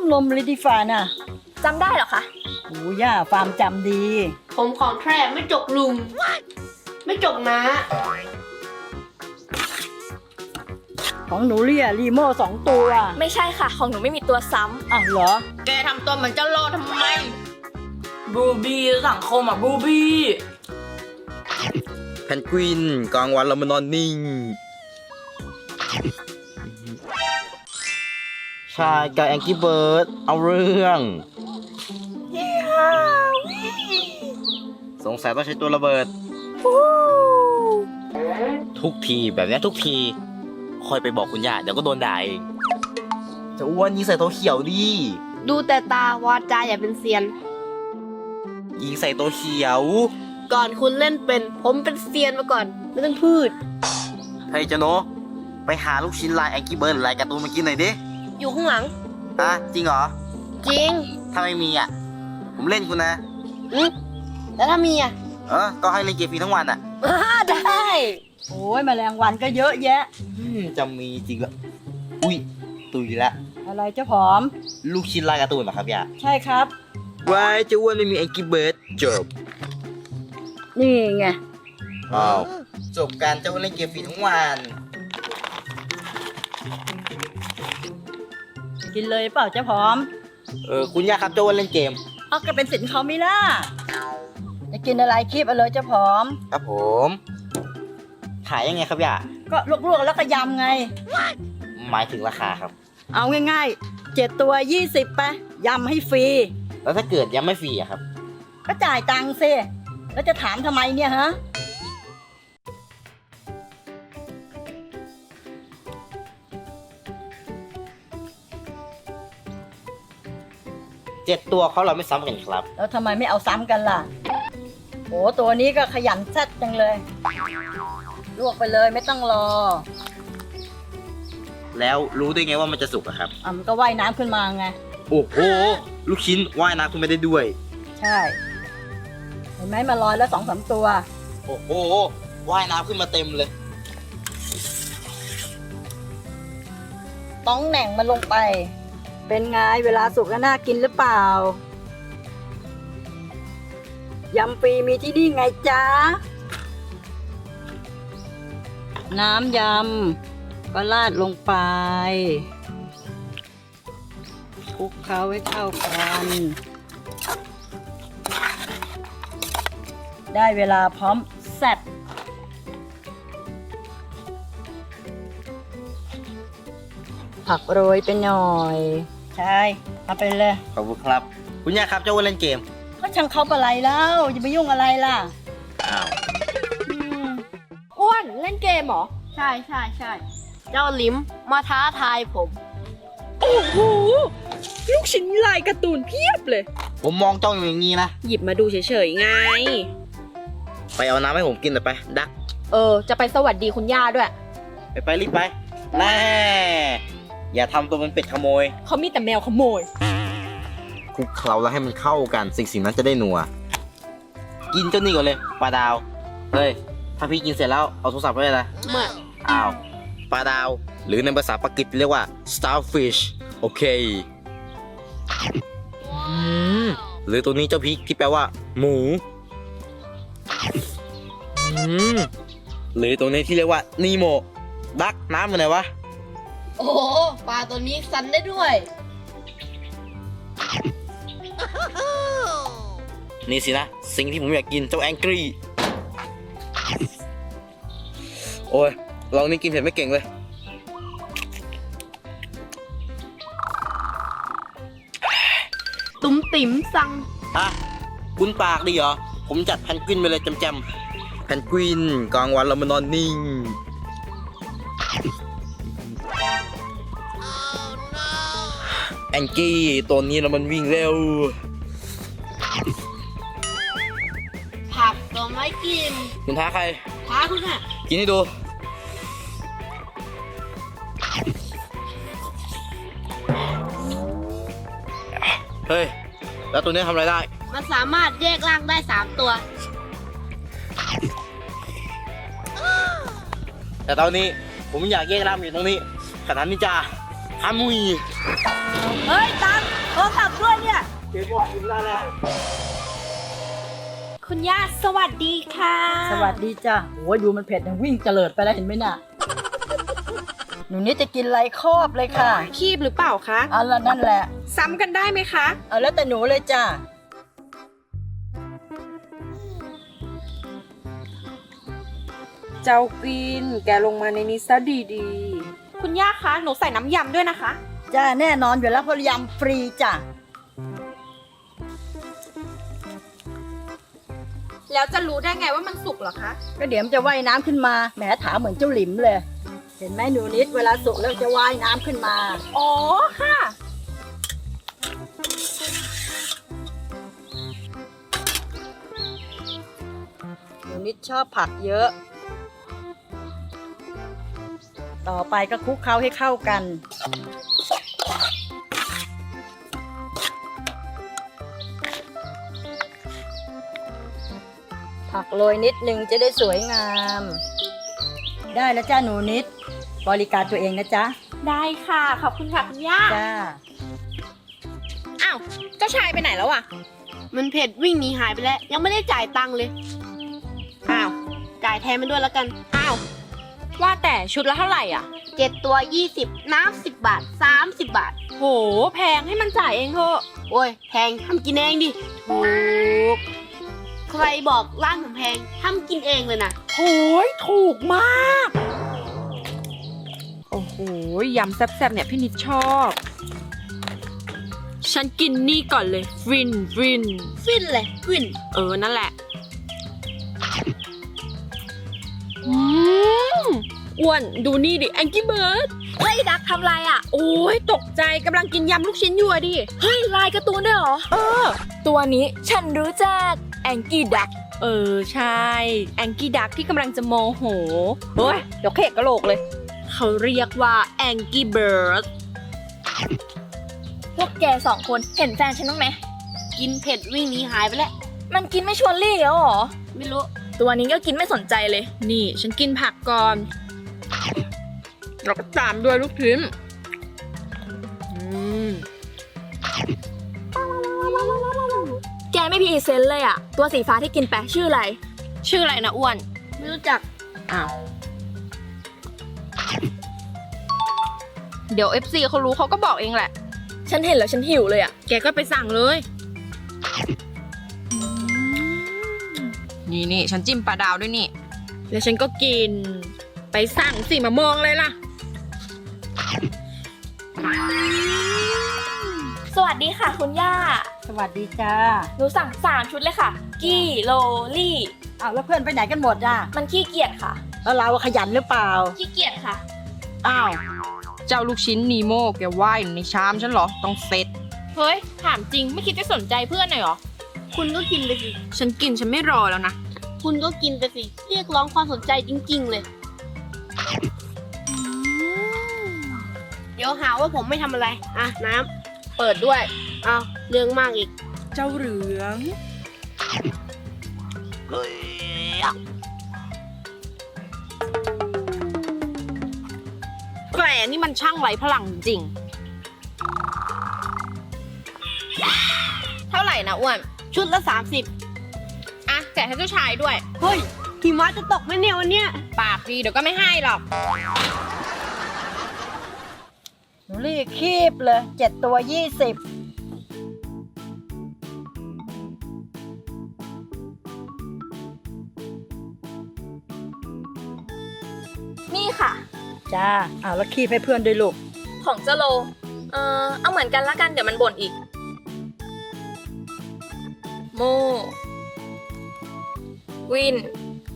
ลมเลยดีฝ่าน่ะจำได้เหรอคะโอ้ย่าฟาร์มจำดีผมของแท้ไม่จกลุง ไม่จกนะของหนูเรียรีโม่2 ตัวไม่ใช่ค่ะ ของหนูไม่มีตัวซ้อ้าวเหรอำแกทำตัวเหมือนเจ้าโลทำไมบูบี้สังคมอ่ะบูบี้แพนกวินกลางวันเรามานอนนิ่ง ชายกับแองกี้เบิร์ดเอาเรื่องสงสัยต้องใช้ตัวระเบิด ทุกทีแบบนี้ทุกทีคอยไปบอกคุณย่าเดี๋ยวก็โดนด่าเองจะอ้วนยิงใส่ตัวเขียวดิดูแต่ตาวาจาอย่าเป็นเซียนยิงใส่ตัวเขียวก่อนคุณเล่นเป็น ผมเป็นเซียนมาก่อน ไม่ต้องพูดเฮ้ยเจ้าโนไปหาลูกชิ้นลายแองกี้เบิร์ดลายการ์ตูนมากินหน่อยดิอยู่ข้างหลังฮะจริงเหรอจริงถ้าไม่มีอ่ะ ผมเล่นคุณนะแล้วถ้ามีอ่ะก็ให้เล่นเกมฟรีทั้งวันอ่ะได้โอ้ยแมลงวันก็เยอะแยะจะมีจริงเหรออุ้ยตุยละอะไรเจ้าผอมลูกชิ้นลายการ์ตูนเหรอครับย่าใช่ครับวายเจ้าอ้วนไม่มีแองกี้เบิร์ดจบนี่ไงอ้าวจบการเจ้าอ้วนเล่นเกมฟรีทั้งวันกินเลยเปล่าเจ้าผอมคุณย่าครับเจ้าอ้วนเล่นเกมเอาก็เป็นสินเขาไม่ล่ะจะกินอะไรคีบเอาเลยเจ้าผอมครับผม ขายยังไงครับย่าก็ลวกๆแล้วก็ยำไงหมายถึงราคาครับเอาง่ายๆ7 ตัว 20ไปยำให้ฟรีแล้วถ้าเกิดยังไม่ฟรีอะครับก็จ่ายตังค์สิแล้วจะถามทำไมเนี่ยฮะ 7 ตัวเขาเราไม่ซ้ำกันครับแล้วทำไมไม่เอาซ้ำกันล่ะโอ้ตัวนี้ก็ขยันแซ่ดจังเลย ลวกไปเลยไม่ต้องรอแล้วรู้ได้ไงว่ามันจะสุกอะครับมันก็ว่ายน้ำขึ้นมาไงโอ้โห ลูกชิ้นว่ายน้ำคุณไม่ได้ด้วยใช่ เห็นไหมมาลอยแล้ว2-3 ตัวโอ้โห ว่ายน้ำขึ้นมาเต็มเลยต้องแหน่งมันลงไป เป็นไงเวลาสุกแล้วน่ากินหรือเปล่า ยำฟรีมีที่นี่ไงจ๊ะ น้ำยำก็ราดลงไปคลุกเคล้าให้เข้ากัน ได้เวลาพร้อมแซ่บผักโรยไปหน่อย ใช่เอาไปเลยขอบคุณครับ คุณย่าครับเจ้าอ้วนเล่นเกมก็ช่างเขาอะไรแล้วจะไปยุ่งอะไรล่ะอ้าวอ้วนเล่นเกมเหรอ ใช่ใช่ใช่เจ้าลิมมาท้าทายผมโอ้โห ลูกชิ้นลายการ์ตูนเพียบเลยผมมองจ้องอยู่อย่างนี้นะหยิบมาดูเฉยๆไงไปเอาน้ำให้ผมกินหน่อยไป ดักจะไปสวัสดีคุณย่าด้วยไปรีบไป แน่ อย่าทำตัวเป็นเป็ดขโมยเขามีแต่แมวขโมยคลุกเคล้าแล้วให้มันเข้ากัน สิ่งนั้นจะได้นัว กินเจ้านี่ก่อนเลยปลาดาว เฮ้ย ถ้าพี่กินเสร็จแล้วเอาโทรศัพท์ไว้เลยนะมาอ้าวปลาดาว หรือในภาษาปากีสเรียกว่า starfish โอเคหรือตัวนี้เจ้าพริกที่แปลว่า หมูหรือตัวนี้ที่เรียกว่านีโมดักน้ำมันไหนวะโอ้โหปลาตัวนี้สันได้ด้วยนี่สินะ สิ่งที่ผมอยากกินเจ้าแองกี้โอ้ยเรานี่กินเผ็ดไม่เก่งเลยตุ้มติ๋มสั่งฮะคุณปากดีเหรอ ผมจัดแพนกวินไปเลยจำๆแพนกวินกลางวันเรามานอนนิ่ง แองกี้ตัวนี้เรามันวิ่งเร็วผักก็ไม่กินคุณท้าใครท้าคุณอ่ะกินให้ดู เฮ้ย แล้วตัวนี้ทำอะไรได้มันสามารถแยกร่างได้3 ตัวแต่ตอนนี้ผมอยากแยกร่างอยู่ตรงนี้ขนาดนี้จ้าอามุยเฮ้ยตังโทรศัพท์ด้วยเนี่ยคุณย่าสวัสดีค่ะสวัสดีจ้ะโอ้ยดูมันเผ็ดยังวิ่งเจริญไปแล้วเห็นไหมน่ะ หนูนิดจะกินอะไรครอบเลยค่ะคีบหรือเปล่าคะเอาละนั่นแหละซ้ำกันได้ไหมคะเอาแล้วแต่หนูเลยจ้ะเจ้ากิน แกลงมาในนี้ซะดีๆ คุณย่าคะ หนูใส่น้ำยำด้วยนะคะจ้าแน่นอนอยู่แล้วเพราะยำฟรีจ้ะแล้วจะรู้ได้ไงว่ามันสุกเหรอคะก็เดี๋ยวมันจะว่ายน้ำขึ้นมาแหมถามเหมือนเจ้าหลิมเลย เห็นไหมหนูนิดเวลาสุกแล้วจะว่ายน้ำขึ้นมาอ๋อค่ะหนูนิดชอบผักเยอะ ต่อไปก็คลุกเคล้าให้เข้ากัน ผักโรยนิดนึงจะได้สวยงาม ได้แล้วจ้าหนูนิด บริการตัวเองนะจ๊ะได้ค่ะ ขอบคุณค่ะคุณย่าจ้าอ้าว เจ้าชายไปไหนแล้วอะมันเผ็ดวิ่งหนีหายไปแล้ว ยังไม่ได้จ่ายตังค์เลย อ้าว จ่ายแทนมันด้วยแล้วกันอ้าว ว่าแต่ชุดละเท่าไหร่อ่ะ 7 ตัว 20 น้ำ10 บาท 30 บาทโห แพงให้มันจ่ายเองเถอะโอ้ย แพงทำกินเองดิ ถูก ใครบอกร้านผมแพงทำกินเองเลยนะโหยถูกมาก โอ้โห ยำแซ่บๆเนี่ยพี่นิดชอบ ฉันกินนี่ก่อนเลย ฟินฟินเลยฟินนั่นแหละ อ้วนดูนี่ดิแองกี้เบิร์ดเฮ้ยดักทำไรอ่ะ โอ้ยตกใจกำลังกินยำลูกชิ้นอยู่อะดิ เฮ้ยลายการ์ตูนด้วยเหรอตัวนี้ฉันรู้จักแองกี้ดักใช่แองกี้ดักที่กำลังจะโมโหเฮ้ยเดี๋ยวเขกกระโหลกเลย เขาเรียกว่าแองกี้เบิร์ดพวกแกสองคนเห็นแฟนฉันบ้างไหมกินเผ็ดวิ่งหนีหายไปแล้วมันกินไม่ชวนลี่แล้วเหรอไม่รู้ตัวนี้ก็กินไม่สนใจเลยนี่ฉันกินผักก่อนแล้วก็ตามด้วยลูกชิ้นแกไม่พรีเซนต์เลยอะตัวสีฟ้าที่กินไปชื่ออะไรชื่ออะไรนะอ้วนไม่รู้จักอ้าว เดี๋ยว FC เขารู้เขาก็บอกเองแหละฉันเห็นแล้วฉันหิวเลยอะแกก็ไปสั่งเลย นี่ฉันจิ้มปลาดาวด้วยนี่ แล้วฉันก็กิน ไปสั่งสิมามองเลยล่ะสวัสดีค่ะคุณย่าสวัสดีจ้าหนูสั่ง3 ชุดเลยค่ะ กี้โลลี่อ้าวแล้วเพื่อนไปไหนกันหมดอ่ะมันขี้เกียจค่ะแล้วเราขยันหรือเปล่าขี้เกียจค่ะอ้าวเจ้าลูกชิ้นนีโม่แกว่ายในชามฉันเหรอ ต้องเซ็ต เฮ้ย ถามจริงไม่คิดจะสนใจเพื่อนหน่อยเหรอคุณก็กินไปสิฉันกินฉันไม่รอแล้วนะคุณก็กินไปสิ เรียกร้องความสนใจจริงๆเลย เดี๋ยวหาว่าผมไม่ทำอะไร อ่ะ น้ำ เปิดด้วย อ้าว เรื่องมากอีกเจ้าเหลืองแกนี่มันช่างไร้พลังจริง เท่าไหร่นะอ้วนชุดละอ่ะแจกให้เจ้าชายด้วย 30 เฮ้ยหิมะจะตกไหมเนี่ยวันเนี้ยปากดีเดี๋ยวก็ไม่ให้หรอกหนูรีบคีบเลย7 ตัว 20 นี่ค่ะจ้าอ้าวแล้วคีบให้เพื่อนด้วยลูกของเจาโล เอาเหมือนกันละกันเดี๋ยวมันบ่นอีก โม วิน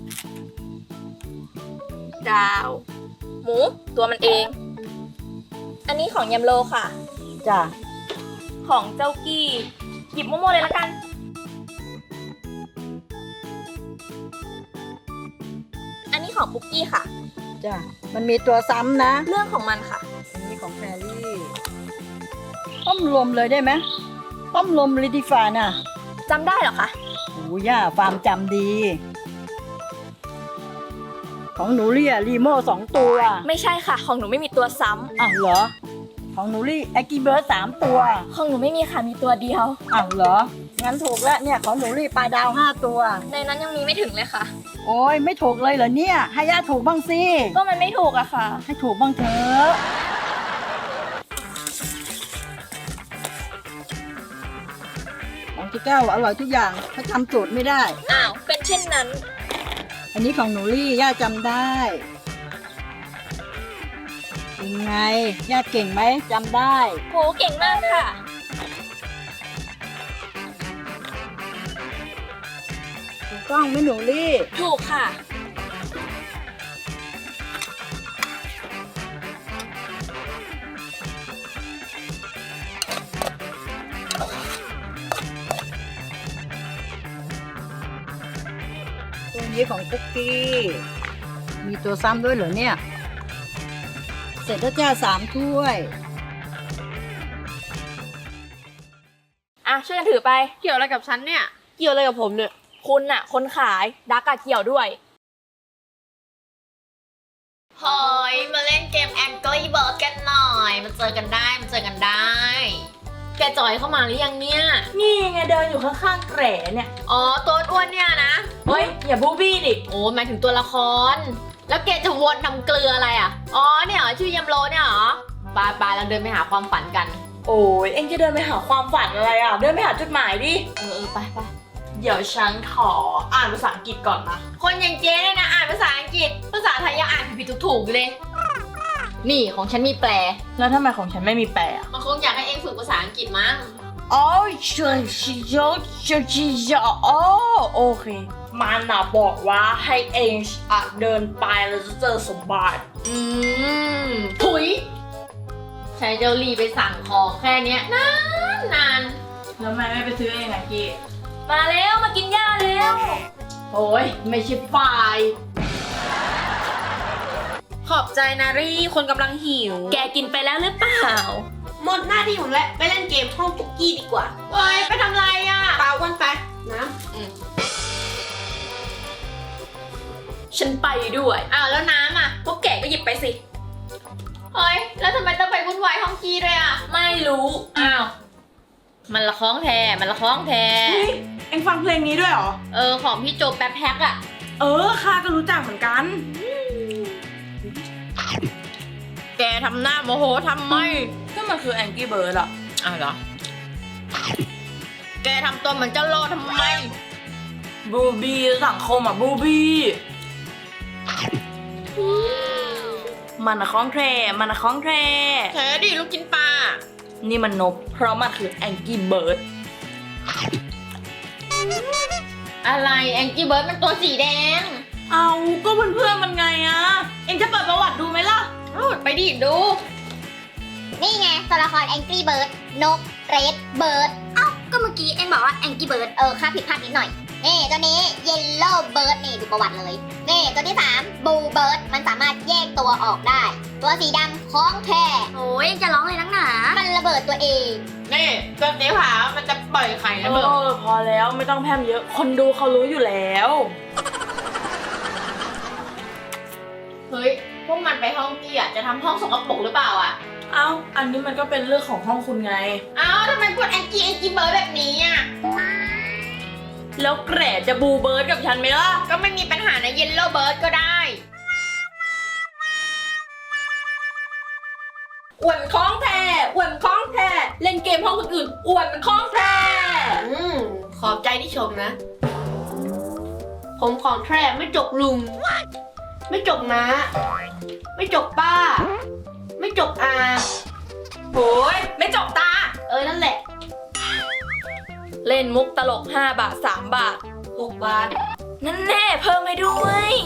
ดาว หมู ตัวมันเอง อันนี้ของยำโลค่ะจ้าของเจ้ากี้ หยิบโมโมเลยละกัน อันนี้ของปุกกี้ค่ะจ้ามันมีตัวซ้ำนะเรื่องของมันค่ะอันนี้ของแพรรี่ต้มลมเลยได้ไหมต้มลมเลยดีฝ่าน่ะจำได้เหรอคะโอ้ย่าฟาร์มจำดี ของหนูเรียรีโม่2 ตัวไม่ใช่ค่ะ ของหนูไม่มีตัวซ้ำอ้าวเหรอ ขของหนูรี่แองกี้เบิร์ด3 ตัวของหนูไม่มีค่ะ มีตัวเดียวอ้าวเหรอ งั้นถูกแล้วเนี่ยของหนูรี่ปลาดาว5 ตัวในนั้นยังมีไม่ถึงเลยค่ะโอ้ยไม่ถูกเลยเหรอเนี่ย ให้ย่าถูกบ้างสิก็มันไม่ถูกอะค่ะให้ถูกบ้างเถอะของเจ๊แก้วอร่อยทุกอย่างเขาจำสูตรไม่ได้อ้าว เป็นเช่นนั้นอันนี้ของหนูรี่ย่าจำได้ยังไงย่าเก่งไหมจำได้โห เก่งมากค่ะถูกต้องไหมหนูรี่ถูกค่ะตัวนี้ของคุกกี้ มีตัวซ้ำด้วยเหรอเนี่ย เสร็จแล้วจ้า3 ถ้วยอ่ะ ช่วยกันถือไปเกี่ยวอะไรกับฉันเนี่ย เกี่ยวอะไรกับผมเนี่ยคุณน่ะ คนขาย ดักกะเกี่ยวด้วยเฮ้ยมาเล่นเกม Angry Bird กันหน่อย มาเจอกันได้ แกจอยเข้ามาหรือยังเนี่ยนี่ไงเดินอยู่ข้างๆแกรเนี่ยอ๋อ ตัวอ้วนเนี่ยนะเฮ้ย อย่าบูบี้ดิโอ้หมายถึงตัวละคร แล้วแกจะวนทำเกลืออะไรอ่ะ อ๋อ เนี่ยเหรอ ชื่อยำโลเนี่ยเหรอไปเราเดินไปหาความฝันกันโอ้ยเอ็งจะเดินไปหาความฝันอะไรอ่ะ เดินไปหาจุดหมายดิไปเดี๋ยวฉันขออ่านภาษาอังกฤษก่อนนะคนอย่างเจ๊เนี่ยนะอ่านภาษาอังกฤษ ภาษาไทยยังอ่านผิดๆถูกๆอยู่เลย นี่ของฉันมีแปลแล้วทำไมของฉันไม่มีแปลอ่ะมันคงอยากให้เองฝึกภาษาอังกฤษมั้งอ๋อโอเค มันน่ะบอกว่าให้เองเดินไปแล้วจะเจอสมบัติถุยใช้เจ้าลีไปสั่งของแค่เนี้ยนานแล้วทำไมไม่ไปซื้อเองอะกี้มาแล้วมากินหญ้าแล้วโอ้ยไม่ใช่ฝ่ายขอบใจนะรี่ คนกำลังหิวแกกินไปแล้วหรือเปล่าหมดหน้าที่ผมแล้ว ไปเล่นเกมห้องคุกกี้ดีกว่าเฮ้ย ไปทำไรอ่ะเปล่าวันไปนะฉันไปด้วยอ้าวแล้วน้ำอ่ะพวกแกก็หยิบไปสิเฮ้ย แล้วทำไมต้องไปวุ่นวายห้องกี้ด้วยอ่ะไม่รู้อ้าว มันละคล้องแท้เฮ้ย เอ็งฟังเพลงนี้ด้วยเหรอของพี่โจแป๊บแพ็กอ่ะข้าก็รู้จักเหมือนกันแกทำหน้าโมโหทำไมก็มันคือแองกี้เบิร์ดอะอ้าวเหรอ แกทำตัวเหมือนเจ้าโลทำไมบูบี้สังคมอะบูบี้มันอะคล้องแทรมันอะคล้องแทรแท้ดิลูกชิ้นปลานี่มันนก เพราะมันคือแองกี้เบิร์ดอะไรแองกี้เบิร์ดมันตัวสีแดงเอาก็เพื่อนๆมันไงอะเอ็งจะเปิดประวัติดูไหมล่ะไปดิดูนี่ไงตัวละคร Angry Bird นก Red Bird เอ้า ก็เมื่อกี้เอ็งบอกว่า Angry Bird ค่าผิดพลาดนิดหน่อย นี่ตัวนี้ Yellow Bird นี่ดูประวัติเลย นี่ตัวที่ 3 Blue Bird มันสามารถแยกตัวออกได้ ตัวสีดำคล้องแค่โอ้ยจะร้องเลยนักหนา มันระเบิดตัวเองนี่ตัวสีขาวมันจะปล่อยไข่ระเบิดพอแล้วไม่ต้องแพร่มเยอะ คนดูเขารู้อยู่แล้วเฮ้ย พวกมันไปห้องกี้อ่ะ จะทำห้องสกปรกหรือเปล่าอ่ะเอ้า อันนี้มันก็เป็นเรื่องของห้องคุณไงเอ้าทำไมพูดแองกี้เบิร์ดแบบนี้อ่ะแล้วแกรจะบูเบิร์ดกับฉันไหมล่ะก็ไม่มีปัญหานะเยลโล่เบิร์ดก็ได้อวดมันคล้องแท้อวดมันคล้องแท้เล่นเกมห้องคนอื่นอวดมันคล้องแท้ขอบใจที่ชมนะ ผมของแท้ไม่จกลุง ไม่จกน้า ไม่จกป้า ไม่จกอาโอ้ยไม่จบตานั่นแหละเล่นมุกตลก5 บาท 3 บาท 6 บาท นั่นแน่เพิ่มให้ด้วย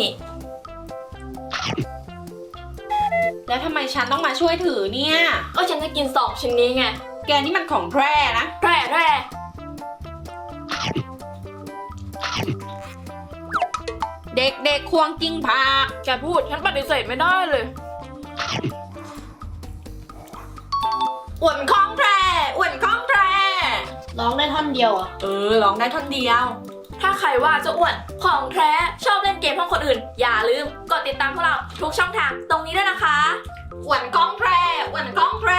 แล้วทำไมฉันต้องมาช่วยถือเนี่ยก็ฉันจะกิน2 ชิ้นนี้ไงแกนี่มันของแท้นะแร่เด็กๆควงกิ้งพาแกพูดฉันปฏิเสธไม่ได้เลย อวดมันคล้องแท้อวดมันคล้องแท้ร้องได้ท่อนเดียวอ่ะร้องได้ท่อนเดียว ถ้าใครว่าจะอ้วนของแท้ชอบเล่นเกมห้องคนอื่น อย่าลืมกดติดตามพวกเราทุกช่องทางตรงนี้ด้วยนะคะ อวดมันคล้องแท้อวดมันคล้องแท้